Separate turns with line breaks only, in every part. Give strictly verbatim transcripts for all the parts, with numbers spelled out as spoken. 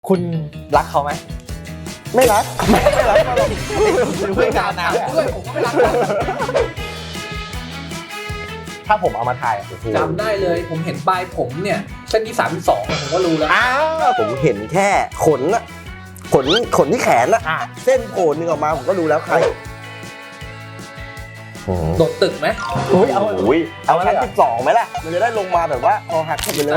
คุณรักเขาไหมไม่รักไม่ไม่รักเขาหรอกเพื่อนกันนะด้วยผมก็ไม่รักถ้าผมเอามาถ่าย
จำได้เลยผมเห็นปลายผมเนี่ยเส้นที่สามที่สองผมก็รู้แล้ว
อ้าวผมเห็นแค่ขนอะขนขนที่แขนอะเส้นโผล่นึงออกมาผมก็รู้แล้วใคร
โดดตึกไหม
อุ้ยเอาอุ้ยเอาชั้นที่สองไหมล่ะมันจะได้ลงมาแบบว่าคอหักไปเลย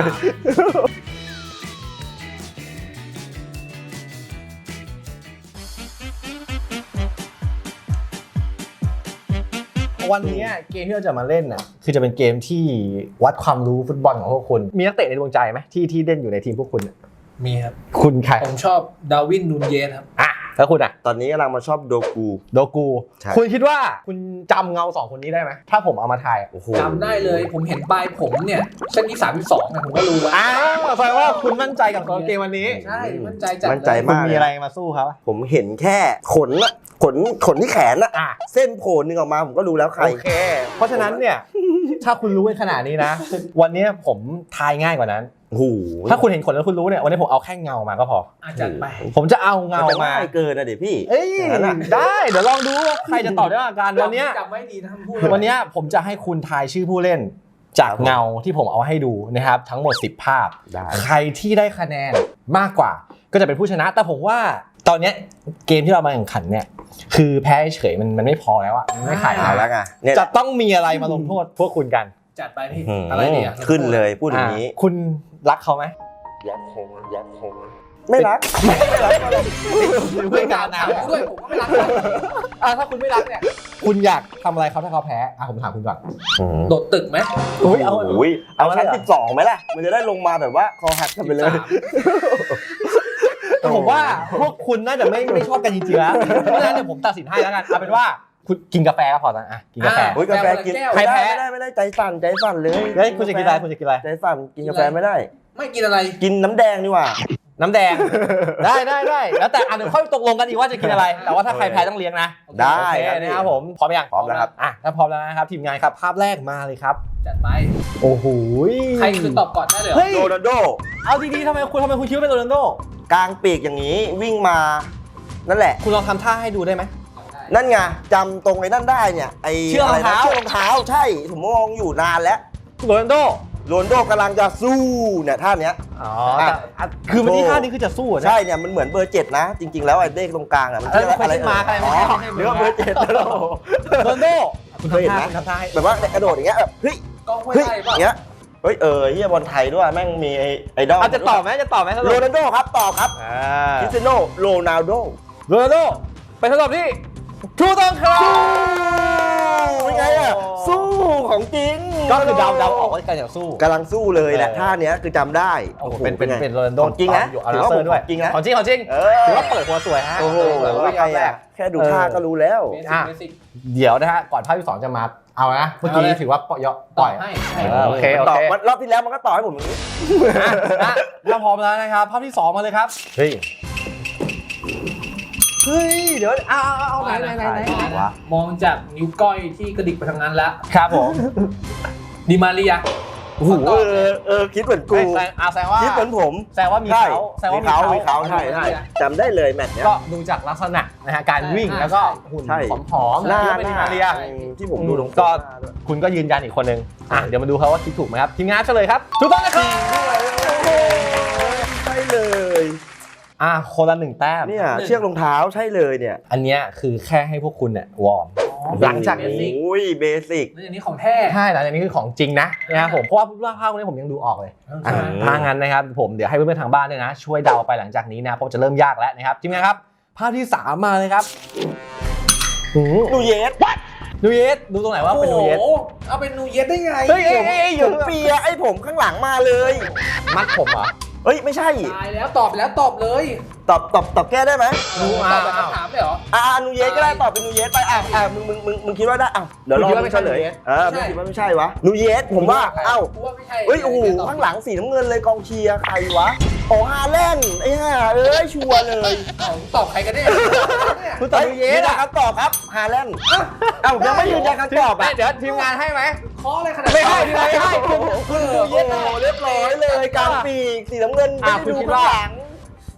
วันนี้เกมที่เราจะมาเล่นน่ะคือจะเป็นเกมที่วัดความรู้ฟุตบอลของพวกคุณมีนักเตะในดวงใจไหมที่ที่เล่นอยู่ในทีมพวกคุณ
มีครับ
คุณใคร
ผมชอบดาร์วินนูนเยสครับ
อ่ะแล้วคุณอ่ะ
ตอนนี้กำลังมาชอบโดกู
โดกูคุณคิดว่าคุณจำเงาสองคนนี้ได้ไหมถ้าผมเอามาถ่าย
จำได้เลยผมเห็นปลายผมเนี่ยเส้นที่สามที่สองผมก็รู้แล้ว
อ้าวแสดงว่าคุณมั่นใจกับเกมวันนี้
ใช่มั่นใจจัด
มั่นใจมาก
มีอะไรมาสู้ครับ
ผมเห็นแค่ขนอะขนขนที่แขนอะเส้นโผล่นึงออกมาผมก็รู้แล้วใคร
โอเคเพราะฉะนั้นเนี่ยถ้าคุณรู้ขนาดนี้นะวันนี้ผมทายง่ายกว่านั้นถ้าคุณเห็นขนแล้วคุณรู้เนี่ยวันนี้ผมเอาแค่เงามาก็พอ
จัดไป
ผมจะเอาเงามา
ไม่เกินนะเดี๋ยวพี่
เอ้ยได้เดี๋ยวลองดูใครจะตอบได้กันวันนี้
จำไว้ดีนะพูด
วันนี้ผมจะให้คุณทายชื่อผู้เล่นจากเงาที่ผมเอาให้ดูนะครับทั้งหมดสิบภาพใครที่ได้คะแนนมากกว่าก็จะเป็นผู้ชนะแต่ผมว่าตอนนี้เกมที่เรามาแข่งขันเนี่ยคือแพ้เฉยมันมันไม่พอแล้วอะไม่ขาย
แล้วไง
จะต้องมีอะไรมาลงโทษพวกคุณกัน
จัดไปพี่อะไรเนี่ย
ขึ้นเลยพูดอย่างนี้
คุณรักเขาไหม
รักเขาไหมรักเขาไหมไม่รักไม่รัก
เพื่อนกันนะ
ด้วยผมก็ไม่รัก
อ่ะถ้าคุณไม่รักเนี่ยคุณอยากทำอะไรเขาถ้าเขาแพ้อ่ะผมถามคุณก่อน
โดดตึกไหม
อุ้ยเอา
อุ้ยเอาชั้นสิบสองไหมล่ะมันจะได้ลงมาแบบว่าคอหักกันไปเลย
ผมว่าพวกคุณน่าจะไม่ไม่ชอบกันจริงๆแล้วเพราะฉะนั้นเดี๋ยวผมตัดสินให้แล้วกันเอาเป็นว่าคุณกินกาแฟก็พอนะอ่ะกินกาแฟ
โอ้ยกาแฟกินใครแพ้ไม่ได้ไม่ได้ใจสั่นใจสั่นเลย
เฮ้ยคุณจะกินอะไรคุณจะกินอะไร
ใจสั่นกินกาแฟไม่ได้
ไม่กินอะไร
กินน้ำแดงดีกว่า
น้ำแดงได้ได้ได้แล้วแต่อันเดี๋ยวค่อยตกลงกันอีกว่าจะกินอะไรแต่ว่าถ้าใครแพ้ต้องเลี้ยงนะ
ได้
นะครับผมพร้อมยัง
พร้อมแล้วครับ
อ่ะถ้าพร้อมแล้วนะครับทีมงานครับภาพแรกมาเลยครับ
จัดไป
โอ้โห
ใครคือตอบก่อนได้เลย
โรนัลโด
เอาดีๆทำไมคุณทำไมคุณคิดว่าเป็นโรนัลโด
กลางปีกอย่างนี้วิ่งมานั่นแหละ
คุณลองทำท่าให้ดูได้ไหม
นั่นไงจำตรงไอ้นั่นได้เนี่ยไอ้
เชือกรองเท้า
เชือกรองเท้าใช่ผมมองอยู่นานแล้ว
โรนัลโด
โรนัลโดกำลังจะสู้เนี่ยท่าเนี้ย
อ๋อคือวันนี้ท่านี้คือจะสู้
ใช่เนี่ยมันเหมือนเบอร์เจ็ดนะจริงๆแล้วไอ้เลขตรงกลางอ่ะมัน
คืออะไรมาอะไรมา
เรียกว่าเบอร์เจ็ดโร
นัลโด
คุณเคยเห็นไหมแบบว่ากระโดดอย่างเงี้ยแบบเฮ้ย
เฮ้ย
อย่างเงี้ยเฮ้ยเออเฮียบอลไทยด้วยแม่งมีไอดอล
จะตอบไหมจะตอบไหม
โรนัลโดครับตอบครับคริสเตียโนโรนัลโด
โรนัลโดไปทดสอบที่ถูกต้องครับ
เป็นไงอ่ะสู้ของจริง
ก็คือเดาเดาออกว่าการอยากสู้
กำลังสู้เลยแหละท่าเนี้ยคือจำได้
โอ้โหเป็นเป็นเป็นโรนัลโด
จริงนะ
ถือว่าด้วย
จริงนะ
ของจริงของจริงถือว่าเปิดหัวสวยฮะ
โอ้โหเป็นไงอ่ะแค่ดูท่าก็รู้แล้ว
เดี๋ยวนะฮะก่อนภาคที่สองจะมาเอานะเมื่อกี้ถือว่าปล่อยปล่อยโอเคโอเค
รอบที่แล้วมันก็ต่อให้ผมอย่างนี้
ถ้าพร้อมแล้วนะครับภาพที่สองมาเลยครับเฮ้ยเฮ้ยเดี๋ยวเอาเอาเอาไหนไหนไหนไหน
มองจากนิ้วก้อยที่กระดิกไปทางนั้นแล้ว
ครับผม
ดิมาเรีย
โอ้โหเออเออคิดเหมือนกู
แสดงว่า
คิดเหมือนผม
แสดงว่ามีเขา
แสดงว่ามีเขามีเขาใช่ใช่จำได้เลยแมตช์เนี้ย
ก็ดูจากลักษณะนะฮะการวิ่งแล้วก็หุ่นผอมๆหน้าเป็นดิมาเรีย
ที่ผมดูตรง
ก็คุณก็ยืนยันอีกคนนึงอ่ะเดี๋ยวมาดูเขาว่าคิดถูกไหมครับทีมงานเฉลยครับถูกต้องนะครับ
ใช่เลย
อ่ะคนละหนึ่งแต้ม
เนี่ยเชือกรองเท้าใช่เลยเนี่ย
อันเนี้ยคือแค่ให้พวกคุณเนี่ยวอร์มหลังจากนี้
อุ้ยเบสิก
อันนี้ของแท้
ใช่หลังจากนี้คือของจริงนะนะครับผมเพราะว่าภาพนี้ผมยังดูออกเลยถ้างั้นนะครับผมเดี๋ยวให้เพื่อนๆทางบ้านด้วยนะช่วยเดาไปหลังจากนี้นะเพราะจะเริ่มยากแล้วนะครับทีมงานครับภาพที่สามมาเลยครับ
นูเยส
นูเยสดูตรงไหนว่าเป็นนูเยส
เอาเป็นนูเยสได้ไง
เฮ้ยผมเปียไอ้ผมข้างหลังมาเลย
มัดผมเหรอ
เฮ้ยไม่ใช่
ตายแล้วตอบแล้วตอบเลย
ตอบตอบตอบแก้ได้ไหม
นูตอบแบบคำถามได้เหรอ
อ่านูเยสก็ได้ตอบเป็นนูเยสไปอ่ะอ่ะมึงมึงมึงมึงคิดว่าได้อ่ะเดี๋ยวรอมึงเฉลยเออมึงคิดว่าไม่ใช่วะนูเยสผมว่าเอ้าเฮ้ยโอ้โหข้างหลังสีน้ำเงินเลยกองเชียร์ใครวะโอ้ฮาแลนด์ไอ้ห่าเอ้ยชัวร์เลย
ตอบใครกันเนี่ย
คุณตอบนูเยสนะครับตอบครับฮาแลนด์เอ้ายังไม่ยืนยันคำตอบอ่ะ
เดี๋ยวทีมงานให้ไหม
ขออะไรขนาด
ไม่ให้ไม่ให้
คุณนูเยสเรียบร้อยเลยกลางปีกสีน้ำเงินไม่ได้ดูข้างหลัง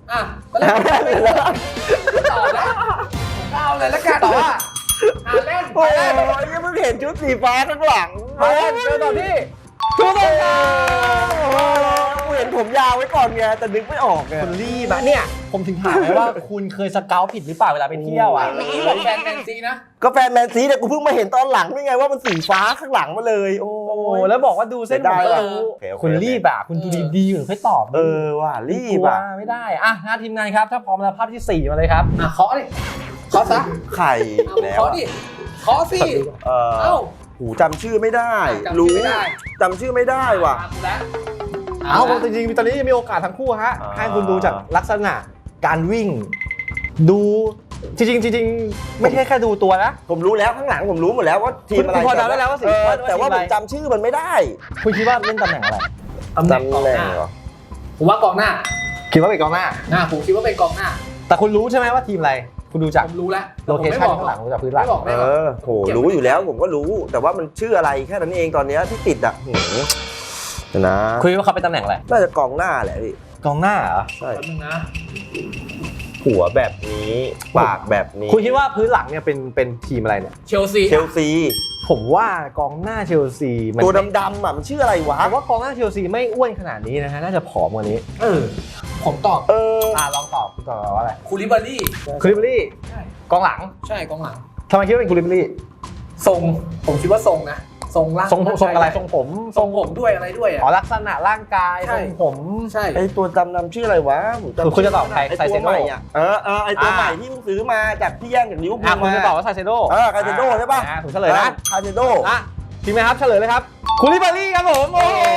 อ่ะตอนแรกผมไม่รู้ตอบแล้วผมก็เอาเลยแล้วกันต่อว่าอ่ะเล่น
โอ้ยยังเพิ่งเห็นชุดสีฟ้าข้างหลัง
มาเล่นเจอต่อที่ถูกต้องครับ
โอ้กูเห็นผมยาวไว้ก่อนไงแต่นึกไม่ออกไง
คุณรีบอะเนี่ยผมถึงถามเลยว่าคุณเคยสเกลผิดหรือเปล่าเวลาไปเที่ยวอ่ะ
นี่บอกแฟนแมนซีนะ
ก็แฟนแมนซีเนี่ยกูเพิ่งมาเห็นตอนหลังนี่ไงว่ามันสีฟ้าข้างหลังมาเลย โอ้
โอ้แล้วบอกว่าดูเส้นผมก็รู้
โอเคโอเค
คุณรีบอะคุณดูดีๆอยู่ค่อยตอบ
เออว่ะรีบ
กลัว
อ่ะ
ไม่ได้อ่ะหน้าทีมงานครับถ้าพร้อมแล้วภาพที่สี่มาเลยครับ
อ่ะเคาะดิเคาะซะ
ไข่
เอา
แล้ว
เคาะดิเคาะสิ
เออ
เอ้า
หูจำชื่อไม่ได้
จำชื่อ
รู้
ไม่ได้
จำชื่อไม่ได้ว่ะ
ตามกูแล้ว
เอา
ละ
จริงๆตอนนี้ยังมีโอกาสทั้งคู่ฮะ
อ่า
ให้คุณดูจากลักษณะการวิ่ง ดูจริงๆจริงๆไม่ใช่แค่ดูตัวนะ
ผมรู้แล้วข้างหลังผมรู้หมดแล้วว่าทีมอะไร
คุณพอเดาได้แล้วว่าสี
เออ
ว่า
แต่ว่า
ทีมอะไร
ผมจำชื่อมันไม่ได้
คุณคิดว่าเล่นตำแหน่งอะไร
ตำแหน่งกอง
จำแหน่
ห
ง
น้า
เหรอ
ผมว่ากองหน้า
คิดว่าเป็นกองหน้า
นะผมคิดว่าเป็นกองหน้า
แต่คุณรู้ใช่ไหมว่าทีมอะไร คุณดูจาก
ผมรู้แล้ว
โลเคชั่นข้างหลังดูจากพื้นหลัง
ไม่บอก
เอ
ไม่บอก
อโหรู้อยู่แล้วผมก็รู้ แต่ว่ามันชื่ออะไรแค่นั้นเองตอนเนี้ยที่ติดอ่ะหืมเดี๋ยวนะ
คุณคิดว่าเขาเป็นตำแหน่งอะไร
น่าจะกองหน้าแหละพี่
กองหน้าเหรอ
ใช่
แป๊บนึงนะ
หัวแบบนี้ปากแบบนี้
คุณคิดว่าพื้นหลังเนี่ยเป็นเป็นทีมอะไรเนี่ย
เชลซี
เชลซี
ผมว่ากองหน้าเชลซีมัน
ตัวดำๆอ่ะมันชื่ออะไรวะ
ผมว่ากองหน้าเชลซีไม่อ้วนขนาดนี้นะฮะน่าจะผอมกว่านี้
เออผมตอบ
เออ
อ่าลองตอบคุณตอบว่าอะไร
คูลิบารี่
คูลิบารี่
ใช่
กองหลัง
ใช่กองหลัง
ทำไมคิดว่าเป็นคูลิบารี่
ทรงผมคิดว่าทรงนะทรงร่าง
ทรงทรงอะไรทรงผม
ทรงผมด้วยอะไรด้วยอ่ะ
อ๋อลักษณะร่างกาย
ใช่
ทรงผม
ใช่
ไอตัวดำๆชื่ออะไรวะผมจำ
คือคุณจะตอบใคร
ไอ
ไซ
ตั
เซ
ว
โน่
ใหม่อ่ะเออเออไอตัว
อ่า
ใหม่ที่เพิ่งซื้อมาจากที่แย่งจากลิเวอร์พู
อ่ะ
ล
คุณ
มา
จะตอบว่าไซเซโด
เออไคาเซโดใช่ป่ะ
อ่าผมเฉลยนะ
คาเซโด
อ่ะทีมไหมครับเฉลยเลยครับคูลิบารี่ครับผมโอ้โห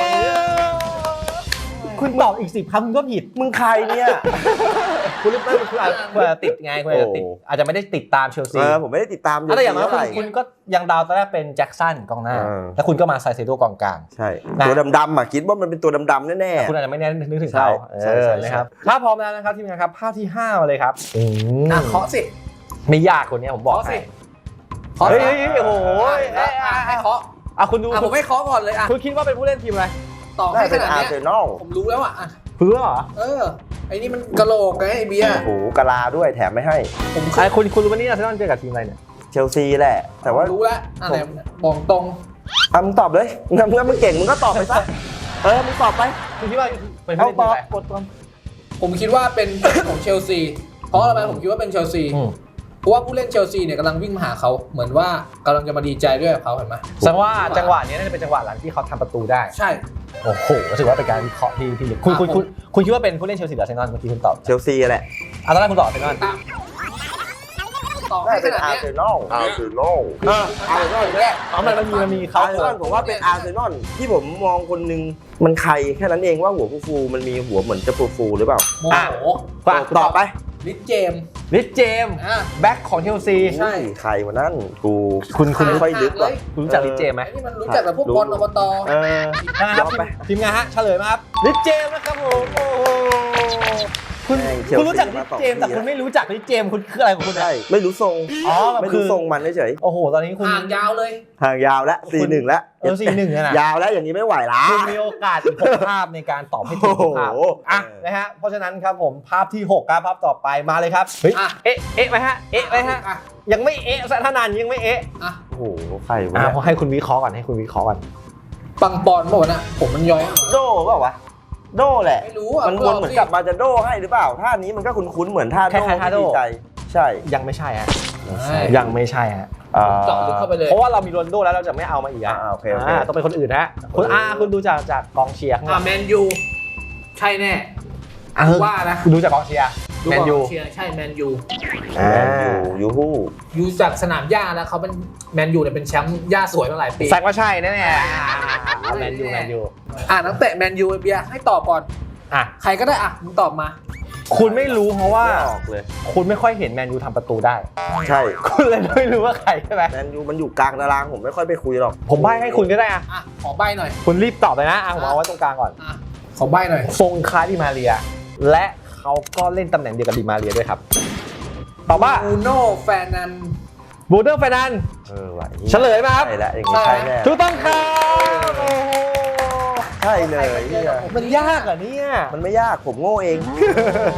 คุณตอบอีกสิบคำคุณก็ผิด
มึงใครเนี่ย
คุณไม่คุณอาจคุณอาจจะติดไงคุณอาจจะติด
โอ้
อาจจะไม่ได้ติดตามเชลซี
เออผมไม่ได้ติดตาม
แต่อย่างน้อย
เท่
คุณ
ไหร่
คุณก็ยังดาวตอนแรกเป็นแจ็คสันกองหน้า
เออ
แล้วคุณก็มาไซเซโดกองกลาง
ใช่
นะ
ตัวดำๆอ่ะคิดว่ามันเป็นตัวดำๆแน่
คุณอาจจะไม่แน่นึกถึง
ใช่
เขา
ใช่
เอ
ใช่
อ
ใช่
นะครับถ้าพร้อมแล้วนะครับทีมงานครับภาพที่ห้ามาเลยครับอืม
อ่ะเคาะสิ
ไม่ยากคนนี้ผมบอก
เคาะสิ
ให้
เคาะ
เฮ้ย
สิ
เฮ้ยเฮ้ยโอ้โห
อ่ะอ่ะให้เคาะ
อ่ะคุณดู
อ่ะผมไม่เคาะก่อนเลยอ่ะ
คุณคิดว่าเป็นผู้เล่นทีมอะไร
ต่อ
ๆน่า
ให้
จะ
ข
เป็น
นาด
อา
เนี้
ร์
ย
เซนอล
ผมรู้แล้วอ่ะอ่ะ
เพื่อเหรอ
เออไอ้นี่มันกะโหลกไงไอ้เบียร์
โอ้โหกะลาด้วยแถมไม่ให้
ผม
ไอ้คุณคุณรู้ไหมนี่อาร์เซนอลเจอกับทีมอะไรเนี่ย
เชลซีแหละ แต่ว่า
รู้แล้วอะไรบอกตรง
อ่ะมึงตอบเลยงั้นเมื่อมึงเก่งมึงก็ตอบไปซะเออมึงตอบไป
คุณคิดว่าเป็น
เอา
ผู้
ต
เล่นที
อ
ม
บ
อะไร
กดก่อน
ผมคิดว่าเป็น ของเชลซี เพราะอะไรผมคิดว่าเป็นเชลซี
อืม
เพราะว่าผู้เล่นเชลซีเนี่ยกำลังวิ่งมาหาเขาเหมือนว่ากำลังจะมาดีใจด้วยกับเขาเห็นไหม
แสดงว่าจังหวะนี้น่าจะเป็นจังหวะหลังที่เขาทำประตูได้
ใช่
โอ้โหถือว่าเป็นการวิเคราะห์ที่ที่ลึกคุณคุณคุณคุณคิดว่าเป็นผู้เล่นเชลซีหรืออาร์เซนอลเมื่อกี้คุณตอบ
เชลซีแหละ
อ่ะตอนแรกคุณตอบอาร์เซนอล
ตามต่อ
น่า
ให้
จะ
ข
เป็น
นาด
อา
เนี้
ร์
ย
เซนอลอาร์เซนอลเอออาร์เซนอลแรก
อ๋อมันมันมีมันมีเขา
อาร์เซนอลผมว่าเป็นอาร์เซนอลที่ผมมองคนหนึงมันใครแค่นั้นเองว่าหัวฟูๆมันมีหัวเหมือนจะฟูๆหรือเปล่า
โมโห
ฝาก
ตอบไป
ลิสเจมส์
ลิสเจมส์
อ่ะ
แบ็คของเชลซี
ใช่
ใครวะนั่นกู
คุณคุณ
ไม่ค่อยลึกหรอก
คุณรู้จักลิสเจมส์ไหม
ไอ้นี่มันรู้จักแต่พวกบอลอบต
เออ
นะครับ
ยอมไป
ทีมงานฮะเฉลยมาครับลิสเจมส์นะครับผมโอ้โหคุณ
แม่งเชลซี
คุณรู้จักลิ
มา
ส
ต่อ
เจมส์แต่
ที่
คุณไม่รู้จักลิสเจมส์คุณคืออะไรของคุณ
ใช่
เนี่ย
ไม่รู้ทรง
อ๋อแบบ
ไม่
คื
รู้
อ
ทรงมันเฉย
โอ้โหตอนนี้คุณ
ห่างยาวเลย
ๆห่างยาวแล้วสี่หนึ่งแล้ว
เออสี่หนึ่งอะนะ
ยาวแล้วอย่างนี้ไม่ไหวละ
คุณมีโอกาสอีกหกภาพในการตอบให้ถูกทุกภาพ
โอ้โห
อ่ะนะฮะเพราะฉะนั้นครับผมภาพที่หกครับภาพต่อไปมาเลยครับเฮ้ย
อ่ะ
เอ๊ะเอ๊ะไหมฮะเอ๊ะไหมฮะ
อ่ะ
ยังไม่เอ๊ะซะท่านานยังไม่เอ๊ะ
อ่ะ
โอ้โหใครวะ
อ่า
เนี่ย
พอให้คุณวิเคราะห์ก่อนให้คุณวิเคราะห์ก่อน
ปังปอนบอกนะผมมันย้อย
โดเปล่าวะโดแหละ
ไม่รู้อ่ะ
มันวนเหมือนกับมาจะโดให้หรือเปล่าท่านี้มันก็คุ้นๆเหมือนท่าโดที่ดีใจใช่
ยังไม่ใช่ฮะ
ใช่
ยังไม่ใช่ฮะ
อ่า
เจาะลึกเข้าไปเลย
เพราะว่าเรามีโรนลโดแล้วเราจะไม่เอามาอีก
อ่า
อ่ะ
โอเคโอเค
อ่าต้องเป็นคนอื่นฮะคุณอาคุณดูจากจากกองเชียร์ข้างห
อ่ะ
ลัง
แมนยูใช่แน่
อ่ะ
ว่านะ
ดูจากกองเชียร์
ดู
แมน
ก่อ
ยู
เชียร์ใช่แมนยู
อ่า
แมนยูยูฮู้
ยูจากสนามหญ้าแล้วเขาเป็นแมนยูเนี่ยเป็นแชมป์หญ้าสวยมาหลายปี
แซกว่าใช่แน่ๆแมนยูแมนยู
อ่ะนักเตะแมนยูเบียร์ให้ตอบก่อน
อ่ะ
ใครก็ได้อ่ะมึงตอบมา
คุณไม่รู้เพราะว่า
ไม่ออกเลย
คุณไม่ค่อยเห็นแมนยูทำประตูได้
ใช่
คุณเลยไม่รู้ว่าใครใช่ไหม
แมนยูมันอยู่กลางตารางผมไม่ค่อยไปคุยหรอก
ผมใบ้ให้คุณก็ได้อะ
อ่ะขอใบหน่อย
คุณรีบตอบเลยนะอ่ะผมเอาไว้ตรงกลางก่อน
อ่ะขอใบหน่อย
ทรงคล้ายดิมาเรีย และเขาก็เล่นตำแหน่งเดียวกับดิมาเรียด้วยครับตอบว่า
อูโน่แฟนนัน
บูเดอร์เฟรนัน
เออไหว
เฉลยไหมครับ
ใช่แล้วอย่างนี้ใช่แน่
ถูกต้องครับโอ้โห
ใช่เลยเนี่ย
มันยากเหรอ่ะเนี่ย
มันไม่ยากผมโง่เอง
น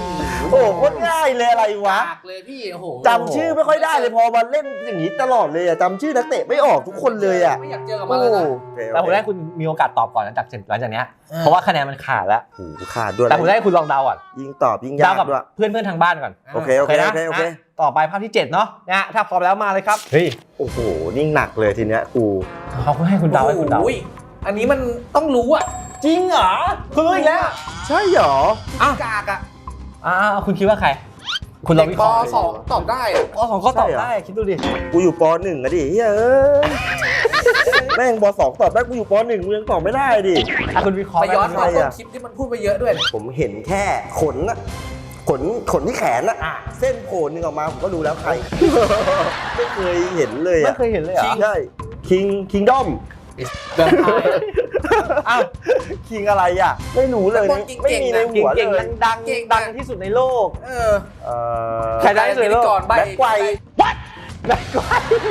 โอ้โหโคตรง่ายเลยอะไรวะ
ยากเลยพี่โอ้โห
จำชื่อไม่ค่อยได้เลยพอมาเล่นอย่างนี้ตลอดเลยอะจำชื่อนักเตะไม่ออกทุกคนเลยอะ
ไม่อยากเจอกับมันเลยนะ
แต่ผมได้คุณมีโอกาสตอบก่อนหลังจากหลังจากเนี้ยเพราะว่าคะแนนมันขาดแล้ว
โอ้โหขาดด้วย
แต่ผมได้คุณลองเดาก่อน
ยิงตอบยิงยา
เดาก กับ
ด้วย
เพื่อนเพื่อนๆทางบ้านก่อน
โอเคโอเคโอเคโอเค
นะต่อไปภาพที่เจ็ดเนาะนะฮะถ้าพร้อมแล้วมาเลยครับเฮ้ย
โอ้โหนี่หนักเลยทีเนี้ยกู
เขาให้คุณเดาให้คุณเดา
โอ้ยอันนี้มันต้องรู้อ่ะ
จริงเหรอคุณรู้อีกแล้ว
ใช่เหรอ
อ่ะกากอ่ะ
อ่าคุณคิดว่าใคร คุณลองวิ
ป
เคราะห์
สองตอบได้อะ
ปสองก็ตอบได้คิดดูดิ
กูอยู่ปหนึ่งอะดิเฮ้ยแม่งปสองตอบได้กูอยู่ปหนึ่งมึงยังตอบไม่ได้ดิ
อ่ะคุณวิเคราะห์
ไปย้อน
ไหม
ฟังต้นคลิปที่มันพูดไปเยอะด้วยเนี่ย
ผมเห็นแค่ขนอะขนขนที่แขนอะเส้นโผล่หนึ่งออกมาผมก็รู้แล้วใคร ไม่เคยเห็นเลย
ไม่
อะ
เคยเห็นเลยเหรอ
ใช่คิงคิงดอม
แบบไทย
อ้าว
คิงอะไรอะไม่รู้เลยนะไม่มีในหัวเล
เก่ง
ย
ๆดังๆดังที่สุดในโลก
เออ
เอ่อ
ใครได้ที่สุดในโลก
ก่อนใบ
แบ็คไกว
แม็กไกว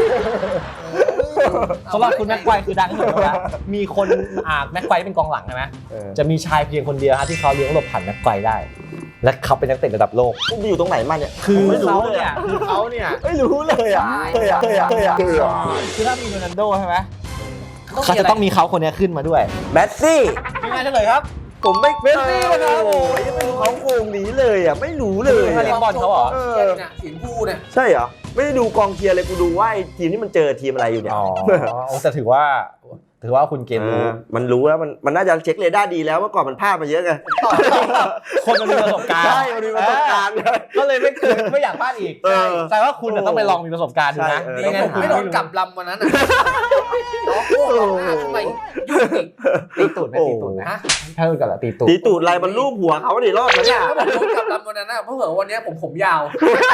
สำหรับคุณแม็กไกวคือดังที่สุดแล้วมีคนอ่าแม็กไกวเป็นกองหลังใช่ไหม
เออ
จะมีชายเพียงคนเดียวครับที่เขาเลี้ยงหลบผ่านแม็กไกวได้ และเขาเป็นนักเตะระดับโลก
มึงอยู่ตรงไหนมาเนี่ย
คือ
ไม่รู้
เขา
เลย
เนี่ย
อะ
คือเขาเนี่ย
ไม่รู้เลยอะเคยอะเคยอะเคยอะเคยอะ
คือถ้ามีโรนัลโดใช่ไหมเขาจะต้องมีเขาคนนี้ขึ้นมาด้วย
แมสซี่
ยังไงเฉลยครับ
ผมไม่
เมสซี่นะครับ
โอ้ยยังไม่รู้เขาโครงนี้เลยอ่ะไม่รู้เลย
ไม่รู้ บอลเขาเหรอ
เออเนี่ยสีชมพูเนี่ย
ใช่เหรอไม่ได้ดูกองเชียร์เลยกูดูว่าไอ้ทีมที่มันเจอทีมอะไรอยู่เนี่ย
อ๋อแต่ถือว่าถือว่าคุณเกมรู้
เออมันรู้แล้วมันมันน่าจะเช็คเรดาร์ดีแล้วเมื่อก่อนมันพลาดมาเยอะไง
คนมันมีประสบการณ์
ใช่มันมีประสบการณ์
ก็เลยไม่เคยไม่อยากพลาดอีก
เออ
แต่ว่าคุณน่ะต้องไปลองมีประสบการณ์ดูนะ
ใช่เออ
นี่
ไม่งั้น
ผมไม่โดนกลับลำวันนั้นอ่ะน้องโอ้โหทำไมยุ่งอีก
ตีตูดไหมตีตูดไหม
ฮะ
ถ้าโดนกลับละตีตูด
ตีตูดอะไรมันรูปหัวเขาดิรอดไหมเนี่ย
ถ้าผมโดนกลับลำวันนั้นอ่ะเพราะเผื่อวันนี้ผมผมยาว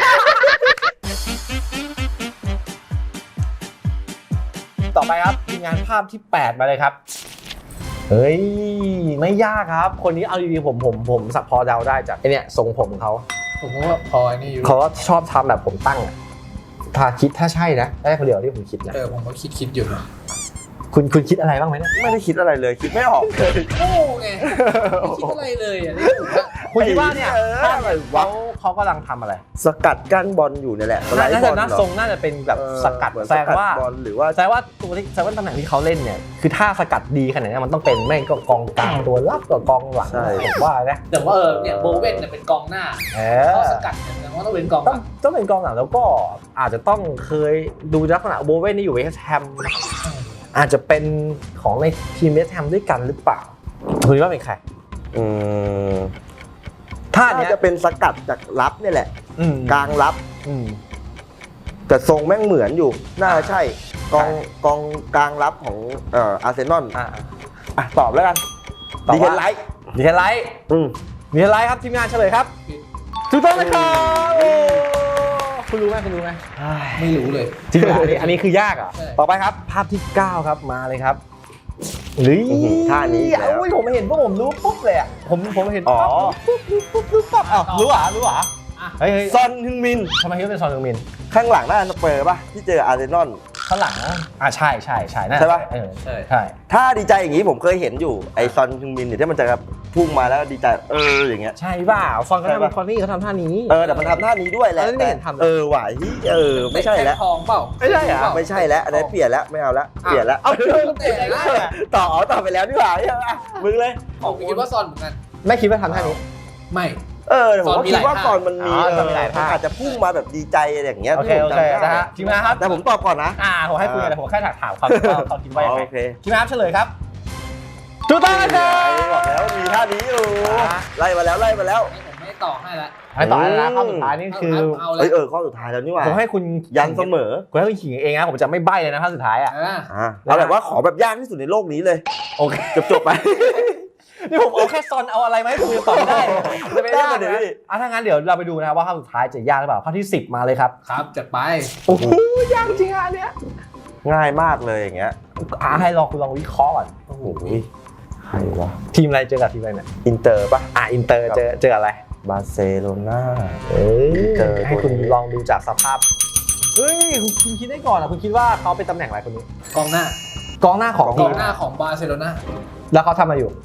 ต่อไปครับทีมงานภาพที่แปดมาเลยครับเฮ้ยไม่ยากครับ คนนี้เอาดีๆผมผมผมสักพอเดาได้จากไอเนี่ยทรงผมของเขา
ผมว่าพอไอ้นี่อยู่
เขาก็ชอบทำแบบผมตั้งอะถ้าคิดถ้าใช่นะได้คนเดียวที่ผมคิดนะ
เออผมก็คิดคิดอยู่นะ
คุณคุณคิดอะไรบ้างไหมเนี่ย
ไม่ได้คิดอะไรเลยคิดไม่ออกเลย
โอ้ไงไม่คิดอะไรเลยอ่ะนี่ถูกอะ
คุณคิดว่าเนี่ย
เออ
ภาพเขาเขากำลังทำอะไร
สกัดกั้นบอลอยู่เนี่ยแหละสไลด์
น่า
บ
จะ
อล
นะ
เหรอ
ทรงน่าจะเป็นแบบ
เออ
สกัด
เหมือน
แสดงว่า
บอลหรือว่า
แสดงว่าตัวที่แสดงว่าตำแหน่งที่เขาเล่นเนี่ยคือถ้าสกัดดีขนาดนี้มันต้องเป็นแม่งก็กองกลางตัวรับกับกองหลัง
ใช่
ผมว่านะ
แต่ว่าเออเนี่ยโบเว่นเนี่ยเป็นกองหน้า
เอ
ข้อ
อ
สกัดเนี่ยแสดงว่าต้องเป็นกองห
ต้อง
ลัง
ต้องเป็นกองหลังแล้วก็อาจจะต้องเคยดูลักษณะโบเว่นนี่อยู่เวสต์แฮมอาจจะเป็นของในทีมเวสต์แฮมด้วยกันหรือเปล่าคุณคิดว่าเป็นใคร
อืม
ท่า
น่า
เนี้ย
จะเป็นสกัดจากรับเนี่ยแหละ
อืม
กลางรับ
อืม
แต่ทรงแม่งเหมือนอยู่ น่าจะใช่ กอง
ใช่
กองกลางรับของเอ่ออาร์เซนอล
อ่า
อ่ะตอบแล้วกัน
ตอบ
ดีเท
ว่า
นไลท์
ดีเทนไลท์
อืม
ดีเทนไลท์ครับทีมงานเฉลยครับถูกต้องนะครับโอ้คุณรู้ไหมคุณรู้ไหม
ไม่รู้เลย
จริงเหรออันนี้อันนี้คือยากอ่ะ
ใช่
ต่อไปครับภาพที่เก้าครับมาเลยครับหรือ
อื้อหือท่านี้อีกแล้ว
โอ้ยผมเห็นพวกผมรู้ปุ๊บเลยอ่ะผมผมเห็น
อ๋อ
ปุ๊บปุ๊บปุ๊บปุ๊บปุ๊บอ้าวรู้เหรอรู้เหรอเฮ้ยเฮ้ย
ซอนฮึงมิน
ทำไมคิดว่าเป็นซอนฮึงมิน
ข้างหลังน่าจะสเปอร์ป่ะ ที่เจออาร์เซนอล
ข้างหลังอ่ะใช่ใช่ใช่น่า
ใช่ปะ
เออ
ใช่
ใช่
ถ้าดีใจอย่างนี้ผมเคยเห็นอยู่ ไอซอนฮึงมินเนี่ยที่มันจะพุ่งมาแล้วดีใจ เอออย่างเงี้ย
ใช่เปล่าซอนก็
ใช่
ทำ
ปะ
ซอนนี่เขาทำท่านี้
เออแต่มันทำท่านี้ด้วยแหละ
เออนี่ไม่เห็นทำ
เออหวายเออไม่ใช่แล้ว
ทองเปล่า
ไม่ใช่เหรอ
ไม่ใช่แล้วอันนี้นเปลี่ยนแล้วไม่เอาแล้วเปลี่ยนแล้ว
เอาเรื่อง
แต่ละ
ต่ออ๋อต่อไปแล้วดีกว่าใช่ไหมมึงเลย
ผมคิดว่าซอนเหมือนกัน
ไม่คิดว่าทำท่านี้
ไม่
เออแต่ผม
ซอน
ก็
มี
คิดว่า
หลาย
ตอนมันมี
อ๋อ
เอ
ซอน
อ
มีหลายท่า
มันอาจจะพุ่งมาแบบดีใจอะไรอย่างเงี้ย
โอเค
ที่ผ
โอ
ม
เค
จำได้
นะฮะทีมงานครับ
แต่ผมตอบก่อนนะ
อ่าผมให้คุณแต่ผมแค่ถามความว่าเขาคิดว่ายังไง
โอเค
ทีมงานครับเฉลยครับถูกต้องนะครับ
บอกแล้วมีท่านี้อยู่
อ่า
ไล่มาแล้วไล่มาแล้ว
ผมไม่ต่อให้ละ
ให้ต่อแล้วนะข้อสุดท้ายนี่คือ
เอาเล
เอ้
ย
ยเออข้อสุดท้ายแล้วนี่หว่า
ผมให้คุณ
ยันเสมอ
ผมให้คุณขิงเองนะผมจะไม่ใบ้เลยนะข้อสุดท้ายอ่ะ
อ่า
อ่ะเอาแบบว่าขอแบบยากที่สุดในโลกนี้เลย
โอเค
จบจบๆไป
นี่ผมเอาแค่ซอนเอาอะไรมาให้คุณตอบไม่ได้จะไม่ได้
ได้
เล
เดี๋ยวย พี่
อ่ะถ้างั้นเดี๋ยวเราไปดูนะครับว่าข้อสุดท้ายจะยากหรือเปล่าข้อที่สิบมาเลยครับ
ครับจัดไป
โอ้โหยากจริงอ่ะอันเนี้ย
ง่ายมากเลยอย่างเงี้ย
อ่ะให้ลองคุณลองวิเคราะห์ก่อน
โอ้โหใครวะ
ทีมอะไรเจอกับทีมอะไรเนี่ย
อินเตอร์ป่ะ
อ่ะอินเตอร์เจอเจออะไร
บาร์เซโลนา
เอ้ย
เจอ
ให้คุณ
ตัวนี้
ลองดูจากสภาพเฮ้ยคุณคุณคิดได้ก่อนอ่ะคุณคิดว่าเขาเป็นตำแหน่งอะไรคนนี้
กองหน้าก
องหน้าของ
ก
ที
อง
ม
หน้าของบาร์เซโลนา
แล้วเขาทำอะไรอยู่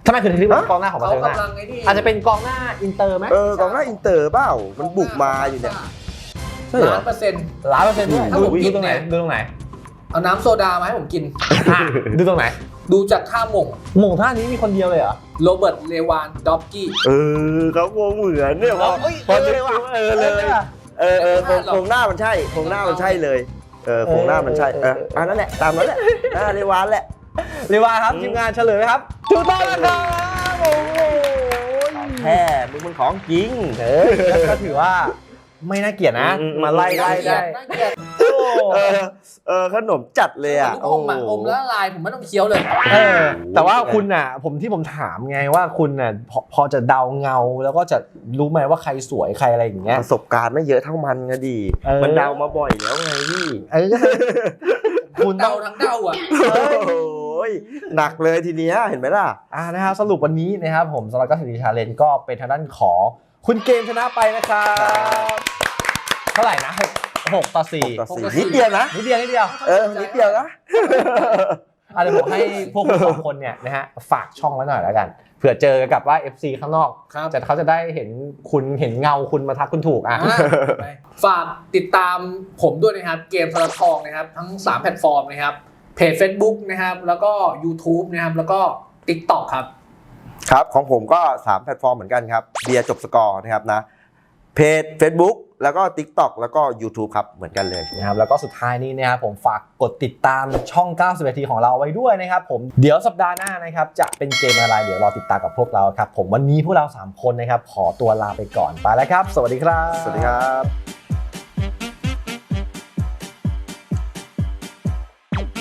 ทำไมคือถึงเรียกว่ากองหน้าของบาร์
เขา
เซโลนาก
ำลังไอ้นี่
อาจจะเป็นกองหน้าอินเตอร์ไหม
เออกองหน้าอินเตอร์เปล่ามันบุกมาอยู่เนี่ยใช่เหรอ
ล้านเปอร์เซ็นต์
ล้านเปอร์เซ็นต์ด้วย
ถ้าผม
ดู
กิน
ตรงไหน
เนี่ย
ดูตรงไหน
เอาน้ำโซดามาให้ผมกิน
อ่ะดูตรงไหน
ดูจากท่าหม่ง
หม่งท่านี้มีคนเดียวเลยเหรอ
โรเบิร์ตเลวานดอฟกี้
เออเขาโมเหมือนเนี่ยพอ
เอ้ย
พอ
เออ
นึก
เลยว่ะ
เออเลยเออเออโครงโครงหน้ามันใช่โครงหน้ามันใช่เลยเออโครงหน้ามันใช่เอออันนั้นแหละตามนั้นแหละอ่าเรวานแหละ
เรียกว่าครับทีมงานเฉลยไหมครับถูกต้องแล้วครับโอ้โห
แค่มึงมันของจริง
เออก็ถือว่าไม่น่าเกลียดนะ
อืม
มาไล่ไล่ได้
น่าเกลียด
โอ้
เออเออขนมจัดเลยอ่ะ
อมอ่ะอมแล้วละลายผมไม่ต้องเคี้ยวเลย
เออแต่ว่าคุณน่ะผมที่ผมถามไงว่าคุณน่ะพอพอจะเดาเงาแล้วก็จะรู้ไหมว่าใครสวยใครอะไรอย่างเงี้ย
ประสบการณ์ไม่เยอะเท่ามันไงดี
เออ
มันเดามาบ่อยแล้วไงพี่
เออคุณต้
เดา
อง
ทั้งเดาอ่ะ
โอ้ยหนักเลยทีเนี้ยเห็นไหมล่ะ
อ่านะครับสรุปวันนี้นะครับผมสำหรับก็สิริชาเลนก็เป็นทางด้านของคุณเกมชนะไปนะครับเท่าไหร่นะหกหกต่อสี่
ต่อสี่นิดเดียวนะ
นิดเดียวนิดเดียว
เออนิดเดียวนะ
อาจจะบอกให้พวกคุณสองคนเนี่ยนะฮะฝากช่องไว้หน่อยแล้วกันเผื่อเจอกับว่า เอฟ ซี ข้างนอก
ครับ
จะเขาจะได้เห็นคุณเห็นเงาคุณมาทักคุณถูกอ่ะ
อ่ะฝากติดตามผมด้วยนะครับเกมทรทองนะครับทั้งสามแพลตฟอร์มนะครับเพจ Facebook นะครับแล้วก็ YouTube นะครับแล้วก็ TikTok ครับ
ครับของผมก็สามแพลตฟอร์มเหมือนกันครับเบียร์จบสกอร์นะครับนะเพจ Facebook แล้วก็ TikTok แล้วก็ YouTube ครับเหมือนกันเลย
นะครับแล้วก็สุดท้ายนี้นะครับผมฝากกดติดตามช่องเก้าสิบนาทีของเราไว้ด้วยนะครับผมเดี๋ยวสัปดาห์หน้านะครับจะเป็นเกมอะไรเดี๋ยวรอติดตามกับพวกเราครับผมวันนี้พวกเราสามคนนะครับขอตัวลาไปก่อนไปแล้วครับ สวัสดีครับ
สวัสดีครับ